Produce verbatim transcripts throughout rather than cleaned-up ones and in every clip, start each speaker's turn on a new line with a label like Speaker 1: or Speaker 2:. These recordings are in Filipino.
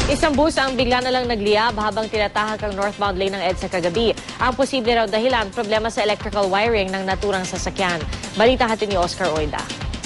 Speaker 1: Isang bus ang bigla na lang nagliyab habang tinatahak ang northbound lane ng EDSA kagabi. Ang posible raw dahilan, problema sa electrical wiring ng naturang sasakyan. Balita hatid ni Oscar Oida.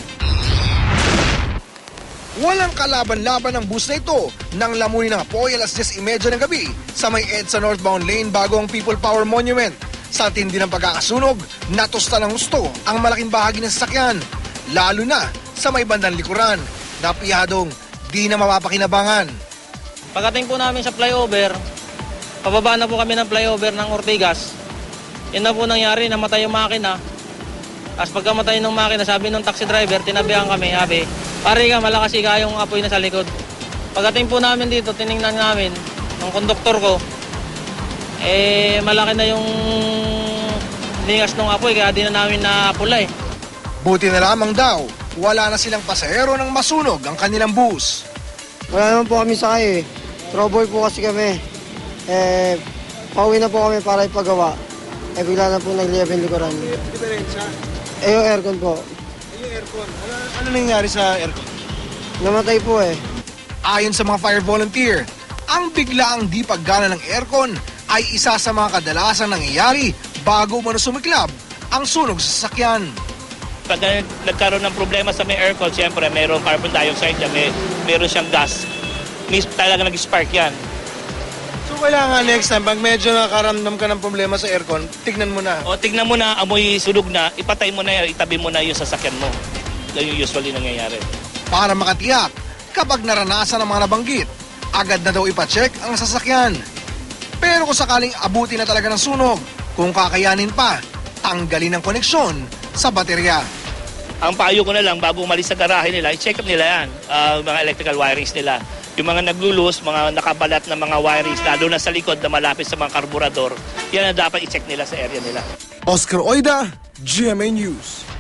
Speaker 2: Walang kalaban-laban ang bus na ito nang lamunin ng apoy alas diyes trenta ng gabi sa may EDSA northbound lane bago ang People Power Monument. Sa tindi ng pagkakasunog, natusta ng gusto ang malaking bahagi ng sasakyan, lalo na sa may bandang likuran, na piyadong di na mapapakinabangan.
Speaker 3: Pagdating po namin sa flyover, pababa na po kami ng flyover ng Ortigas. Yan na po nangyari, namatay yung makina. Tapos pagkamatay ng makina, sabi ng taxi driver, tinabihan kami, sabi, pare ka, malakas ika yung apoy na sa likod. Pagdating po namin dito, tiningnan namin, ng konduktor ko, eh, malaki na yung lingas ng apoy, kaya di na namin naapulay.
Speaker 2: Buti na lamang daw, wala na silang pasahero nang masunog ang kanilang bus.
Speaker 4: Wala naman po kami sakay eh. Troboy po kasi kami. Eh, pauwi na po kami para ipagawa. Eh, bigla na po nagliyab yung likuran.
Speaker 2: Diferensya?
Speaker 4: Eh, yung aircon po.
Speaker 2: Yung aircon? Ano, ano nangyari sa aircon?
Speaker 4: Namatay po eh.
Speaker 2: Ayon sa mga fire volunteer, ang biglaang di paggana ng aircon ay isa sa mga kadalasang nangyayari bago umano sumiklab ang sunog sa sasakyan.
Speaker 5: Pag nagkaroon ng problema sa may aircon, siyempre mayroong carbon dioxide yan, may, mayroon siyang gas. Mis talaga nag-spark yan.
Speaker 2: So kailangan next time, pag medyo nakaramdam ka ng problema sa aircon, tignan mo na.
Speaker 5: O tignan mo na, amoy sunog na, ipatay mo na, itabi mo na yung sasakyan mo. Yan yung usually nangyayari.
Speaker 2: Para makatiyak, kapag naranasan ang mga nabanggit, agad na daw ipacheck ang sasakyan. Pero kung sakaling abuti na talaga ng sunog, kung kakayanin pa, tanggalin ang koneksyon sa baterya.
Speaker 5: Ang payo ko na lang, bago umalis sa garahe nila, i-check up nila yan, uh, mga electrical wirings nila. Yung mga naglulus, mga nakabalat na mga wirings, lalo na sa likod na malapit sa mga karburador, yan ang dapat i-check nila sa area nila.
Speaker 2: Oscar Oida, G M A News.